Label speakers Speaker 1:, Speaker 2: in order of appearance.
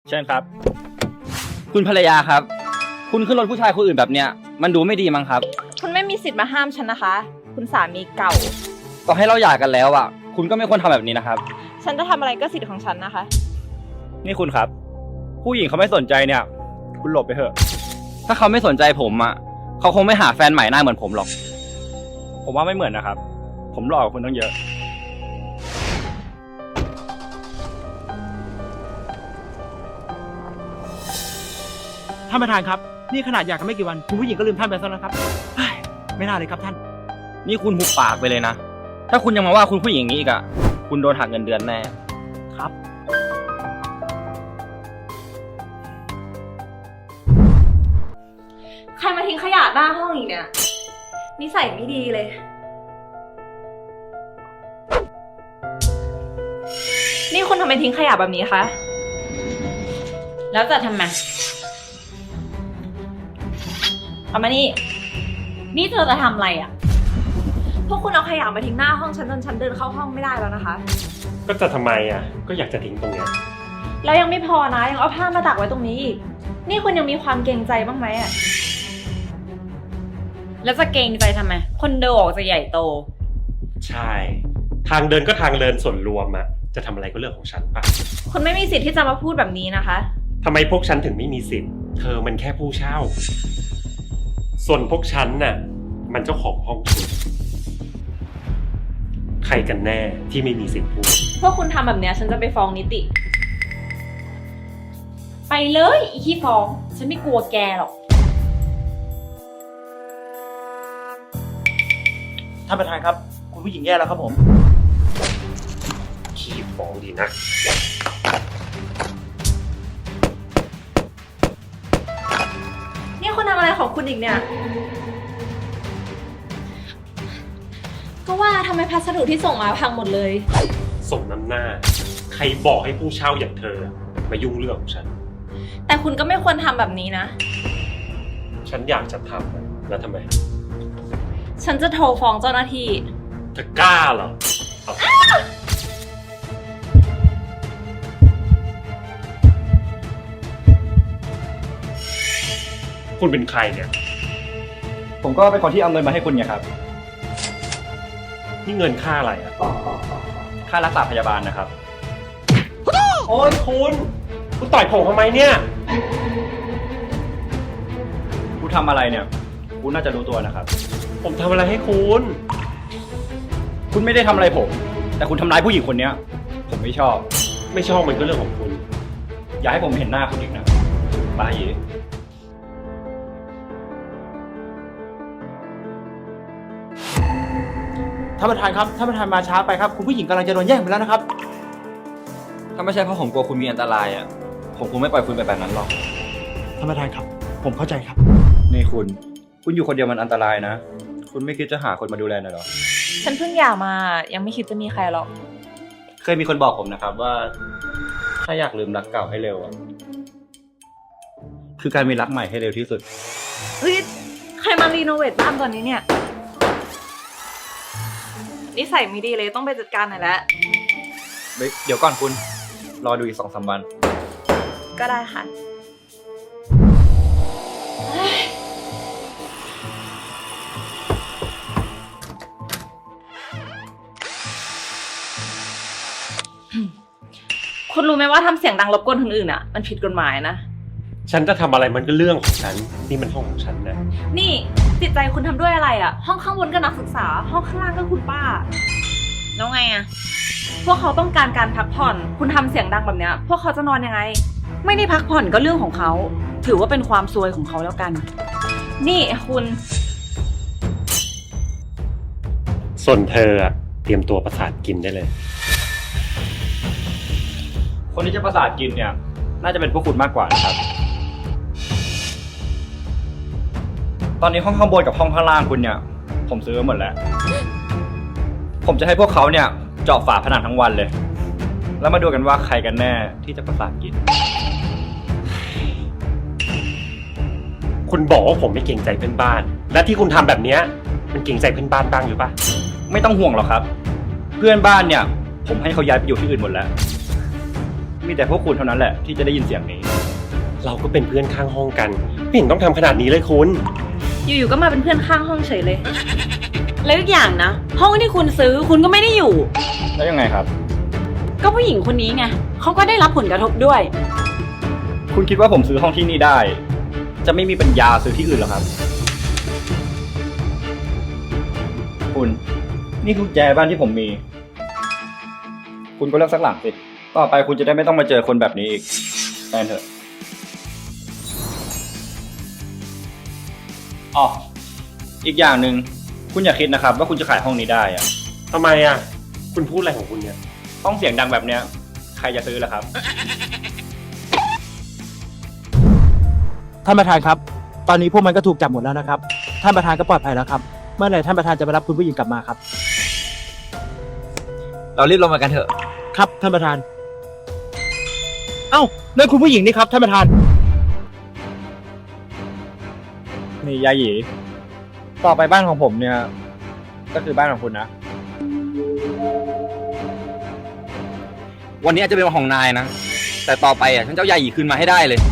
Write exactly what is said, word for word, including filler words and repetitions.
Speaker 1: เชิญครับคุณภรรยาครับคุณขึ้นรถผู้ชายคนอื่นแบบเนี้ยมันดูไม่ดีมั้งครับ
Speaker 2: คุณไม่มีสิทธิ์มาห้ามฉันนะคะคุณสามีเก่า
Speaker 1: ต่อให้เราหย่ากันแล้วอ่ะคุณก็ไม่ควรทำแบบนี้นะครับ
Speaker 2: ฉันจะทำอะไรก็สิทธิ์ของฉันนะคะ
Speaker 1: นี่คุณครับผู้หญิงเขาไม่สนใจเนี่ยคุณหลบไปเถอะถ้าเขาไม่สนใจผมอ่ะเขาคงไม่หาแฟนใหม่หน้าเหมือนผมหรอกผมว่าไม่เหมือนนะครับผมหล่อกว่าคุณตั้งเยอะ
Speaker 3: ท่านประธานครับนี่ขนาดอยากกันไม่กี่วันคุณผู้หญิงก็ลืมท่านไปซะแล้วครับไม่น่าเลยครับท่าน
Speaker 1: นี่คุณหุบปากไปเลยนะถ้าคุณยังมาว่าคุณผู้หญิงอย่างนี้อีกอ่ะคุณโดนหักเงินเดือนแน่
Speaker 3: ครับ
Speaker 2: ใครมาทิ้งขยะหน้าห้องอีกเนี่ยนิสัยไม่ดีเลยนี่คุณทำไมทิ้งขยะแบบนี้คะแล้วจะทำไมเอามานี่นี่เธอจะทำอะไรอ่ะพวกคุณเอาขยะมาทิ้งหน้าห้องฉันจนฉันเดินเข้าห้องไม่ได้แล้วนะคะ
Speaker 4: ก็จะทำไมอ่ะก็อยากจะทิ้งตรงเนี้ย
Speaker 2: แล้วยังไม่พอนะยังเอาผ้ามาตักไว้ตรงนี้อีกนี่คุณยังมีความเกรงใจบ้างไหมอ่ะ
Speaker 5: แล้วจะเกรงใจทำไมคอนโดออกจะใหญ่โต
Speaker 4: ใช่ทางเดินก็ทางเดินส่วนรวมอ่ะจะทำอะไรก็เรื่องของฉันปะ
Speaker 2: คุณไม่มีสิทธิ์ที่จะมาพูดแบบนี้นะคะ
Speaker 4: ทำไมพวกฉันถึงไม่มีสิทธิ์เธอมันแค่ผู้เช่าส่วนพวกฉันน่ะมันเจ้าของห้องชุดใครกันแน่ที่ไม่มีสิทธิ์พูด
Speaker 2: พวกคุณทำแบบเนี้ยฉันจะไปฟ้องนิติ
Speaker 5: ไปเลยอีขี้ฟ้องฉันไม่กลัวแกหรอก
Speaker 3: ท่านประธานครับคุณผู้หญิงแย่แล้วครับผม
Speaker 4: ขี้ฟ้องดีนะ
Speaker 2: นี่คุณทำอะไรของคุณอีกเนี่ยก็ว่าทำไมพัสดุที่ส่งมาพังหมดเลย
Speaker 4: สมน้ำหน้าใครบอกให้ผู้เช่าอย่างเธอมายุ่งเรื่องของฉัน
Speaker 2: แต่คุณก็ไม่ควรทำแบบนี้นะ
Speaker 4: ฉันอยากจะทำแล้วทำไม
Speaker 2: ฉันจะโทรฟ้องเจ้าหน้าที่
Speaker 4: เธอกล้าเหรอคุณเป็นใครเนี่ย
Speaker 1: ผมก็เป็นคนที่เอาเงินมาให้คุณไงครับ
Speaker 4: นี่เงินค่าอะไรอ่ะ
Speaker 1: ค่ารักษาพยาบาลนะครับ
Speaker 4: โอ้ยคุณคุณต่อยผมทำไมเนี่ย
Speaker 1: คุณทำอะไรเนี่ยคุณน่าจะรู้ตัวนะครับ
Speaker 4: ผมทำอะไรให้คุณ
Speaker 1: คุณไม่ได้ทำอะไรผมแต่คุณทำร้ายผู้หญิงคนนี้ผมไม่ชอบ
Speaker 4: ไม่ชอบมันก็เรื่องของคุณ
Speaker 1: อย่าให้ผมเห็นหน้าคุณอีกนะบ้าเย่
Speaker 3: ท่านประธานครับท่านประธานมาช้าไปครับคุณผู้หญิงกำลังจะโดนแย่งไปแล้วนะครับ
Speaker 1: ถ้าไม่ใช่เพราะผมกลัวคุณมีอันตรายอ่ะผมคงไม่ปล่อยคุณไปแบบนั้นหรอก
Speaker 3: ท่านประธานครับผมเข้าใจครับ
Speaker 1: นี่คุณคุณอยู่คนเดียวมันอันตรายนะคุณไม่คิดจะหาคนมาดูแลหน่อยหรอ
Speaker 2: ฉันเพิ่งหย่ามายังไม่คิดจะมีใครหรอก
Speaker 1: เคยมีคนบอกผมนะครับว่าถ้าอยากลืมรักเก่าให้เร็วอ่ะคือการมีรักใหม่ให้เร็วที่สุด
Speaker 2: เฮ้ยใครมารีโนเวทบ้านตอนนี้เนี่ยนิสัยไม่ดีเลยต้องไปจัดการหน่อยแล้ว
Speaker 1: เดี๋ยวก่อนคุณรอดูอีกสองสามวัน
Speaker 2: ก็ได้ค่ะคุณรู้ไหมว่าทำเสียงดังรบกวนคนอื่นอ่ะมันผิดกฎหมายนะ
Speaker 4: ฉันจะทำอะไรมันก็เรื่องของฉันนี่มันห้องของฉันนะ
Speaker 2: นี่จิตใจคุณทำด้วยอะไรอ่ะห้องข้างบนก็นักศึกษาห้องข้างล่างก็คุณป้า
Speaker 5: แล้วไงอ่ะ
Speaker 2: พวกเขาต้องการการพักผ่อนคุณทำเสียงดังแบบเนี้ยพวกเขาจะนอนยังไง
Speaker 5: ไม่ได้พักผ่อนก็เรื่องของเขาถือว่าเป็นความซวยของเขาแล้วกัน
Speaker 2: นี่คุณ
Speaker 4: ส่วนเธออะเตรียมตัวประสาทกินได้เลย
Speaker 1: คนที่จะประสาทกินเนี่ยน่าจะเป็นพวกคุณมากกว่านะครับตอนนี้ห้องข้างบนกับห้องข้างล่างคุณเนี่ยผมซื้อหมดแล้วผมจะให้พวกเขาเนี่ยเจาะฝาผนังทั้งวันเลยแล้วมาดูกันว่าใครกันแน่ที่จะประสาทกิน
Speaker 4: คุณบอกว่าผมไม่เกรงใจเพื่อนบ้านและที่คุณทำแบบนี้มันเกรงใจเพื่อนบ้านบ้างหรือเปล่า
Speaker 1: ไม่ต้องห่วงหรอกครับเพื่อนบ้านเนี่ยผมให้เขาย้ายไปอยู่ที่อื่นหมดแล้วมีแต่พวกคุณเท่านั้นแหละที่จะได้ยินเสียงนี้
Speaker 4: เราก็เป็นเพื่อนข้างห้องกัน ไม่เห็นต้องทำขนาดนี้เลยคุณ
Speaker 2: อยู่ๆก็มาเป็นเพื่อนข้างห้องเฉยเลย
Speaker 5: แล้วอีกอย่างนะ ห้องที่คุณซื้อคุณก็ไม่ได้อยู่
Speaker 1: แล้วยังไงครับ
Speaker 5: ก็ผู้หญิงคนนี้ไงเขาก็ได้รับผลกระทบด้วย
Speaker 1: คุณคิดว่าผมซื้อห้องที่นี่ได้ จะไม่มีปัญญาซื้อที่อื่นเหรอครับ คุณ นี่คือกุญแจบ้านที่ผมมี คุณก็เลือกสักหลังสิ ต่อไปคุณจะได้ไม่ต้องมาเจอคนแบบนี้อีกแฟนเถอะอ๋ออีกอย่างหนึ่งคุณอย่าคิดนะครับว่าคุณจะขายห้องนี้ได้อะ
Speaker 4: ทำไมอ่ะ คุณพูดอะไรของคุณเนี่ย
Speaker 1: ห้องเสียงดังแบบเนี้ย ใครจะซื้อล่ะครับ
Speaker 3: ท่านประธานครับ ตอนนี้พวกมันก็ถูกจับหมดแล้วนะครับ ท่านประธานก็ปลอดภัยแล้วครับ เมื่อไหร่ท่านประธานจะไปรับคุณผู้หญิงกลับมาครับ
Speaker 1: เรารีบลงมากันเถอะ
Speaker 3: ครับท่านประธาน เอ้านั่นคุณผู้หญิงนี่ครับท่านประธาน
Speaker 1: นี่ยาหยี ต่อไปบ้านของผมเนี่ย ก็คือบ้านของคุณนะ
Speaker 6: วันนี้อาจจะเป็นวันของนายนะ แต่ต่อไปอ่ะฉันจะเอายาหยีคืนมาให้ได้เลย